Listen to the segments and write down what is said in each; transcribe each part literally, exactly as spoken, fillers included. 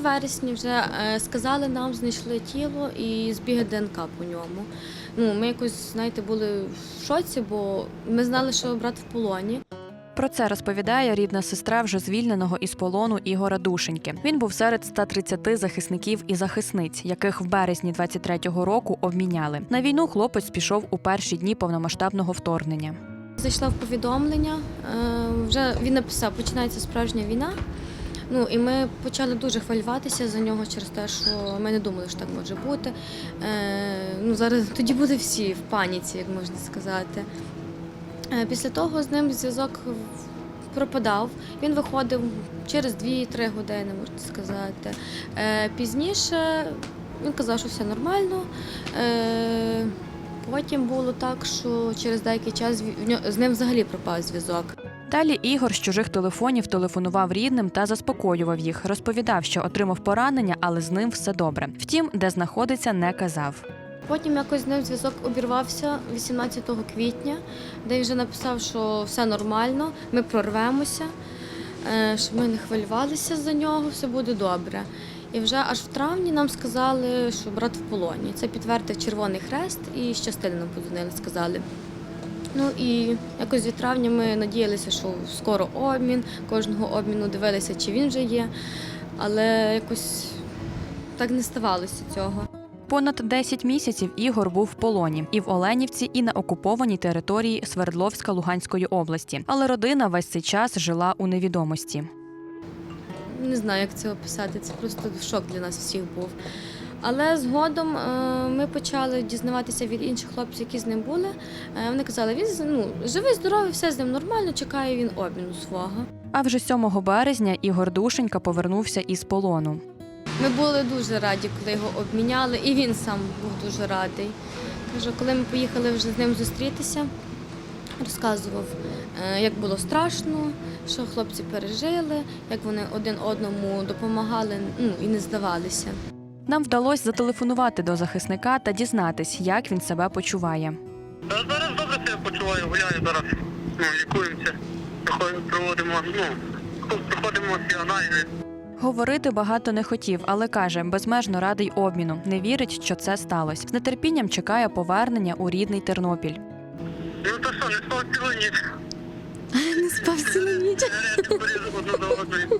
вересні вже сказали нам, знайшли тіло і збіги ДНК по ньому. Ну, ми якось, знаєте, були в шоці, бо ми знали, що брат в полоні. Про це розповідає рідна сестра вже звільненого із полону Ігора Душеньки. Він був серед ста тридцяти захисників і захисниць, яких в березні двадцять третього року обміняли. На війну хлопець пішов у перші дні повномасштабного вторгнення. Зайшла в повідомлення, вже він написав, починається справжня війна. Ну, і ми почали дуже хвилюватися за нього через те, що ми не думали, що так може бути. Ну, зараз тоді були всі в паніці, як можна сказати. Після того з ним зв'язок пропадав. Він виходив через дві-три години, можна сказати. Пізніше він казав, що все нормально. Потім було так, що через деякий час з ним взагалі пропав зв'язок. Далі Ігор з чужих телефонів телефонував рідним та заспокоював їх. Розповідав, що отримав поранення, але з ним все добре. Втім, де знаходиться, не казав. Потім якось з ним зв'язок обірвався вісімнадцятого квітня, де він вже написав, що все нормально, ми прорвемося, щоб ми не хвилювалися за нього, все буде добре. І вже аж в травні нам сказали, що брат в полоні. Це підтвердив Червоний Хрест і з частини нам подзвонили, сказали. Ну і якось від травня ми надіялися, що скоро обмін, кожного обміну дивилися, чи він вже є, але якось так не ставалося цього. Понад десять місяців Ігор був в полоні і в Оленівці, і на окупованій території Свердловська Луганської області. Але родина весь цей час жила у невідомості. Не знаю, як це описати, це просто шок для нас всіх був. Але згодом ми почали дізнаватися від інших хлопців, які з ним були. Вони казали, він ну, живий, здоровий, все з ним нормально, чекає він обміну свого. А вже сьомого березня Ігор Душенька повернувся із полону. Ми були дуже раді, коли його обміняли, і він сам був дуже радий. Каже, коли ми поїхали вже з ним зустрітися, розказував, як було страшно, що хлопці пережили, як вони один одному допомагали, ну, і не здавалися. Нам вдалося зателефонувати до захисника та дізнатись, як він себе почуває. Та зараз добре себе почуваю, гуляю зараз, ну, лікуємося, проводимо, ну, проходимо всі аналізи. Говорити багато не хотів, але каже, безмежно радий обміну, не вірить, що це сталося. З нетерпінням чекає повернення у рідний Тернопіль. Ну то що, не спав цілу ніч? Не спав цілу ніч. Одну до одної.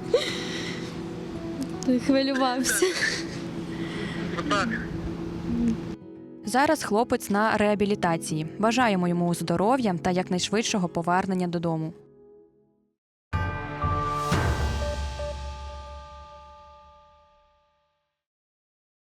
Хвилювався. Отак. Зараз хлопець на реабілітації. Бажаємо йому здоров'я та якнайшвидшого повернення додому.